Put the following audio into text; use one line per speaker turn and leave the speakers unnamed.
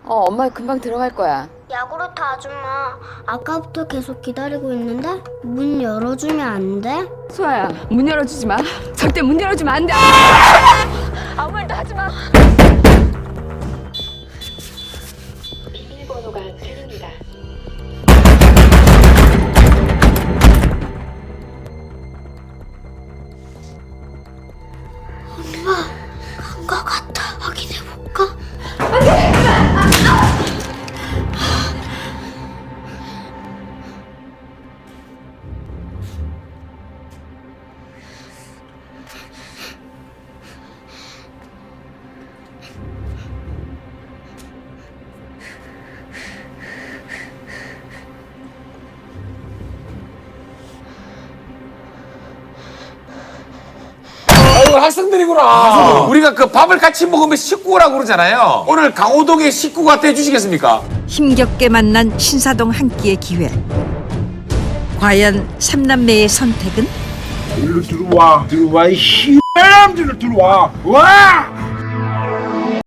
엄마 금방 들어갈 거야.
야구르트 아줌마, 아까부터 계속 기다리고 있는데 문 열어주면 안 돼?
소아야, 문 열어주지 마. 절대 문 열어주면 안 돼. 아무 말도 하지 마.
비밀번호가 틀립니다.
간 거 같아. 확인해볼까?
아이고 학생들이구나. 우리가 그 밥을 같이 먹으면 식구라고 그러잖아요. 오늘 강호동의 식구가 돼주시겠습니까?
힘겹게 만난 신사동 한 끼의 기회. 과연 삼남매의 선택은?
일로 들어와 이 씨발놈들로 들어와 와!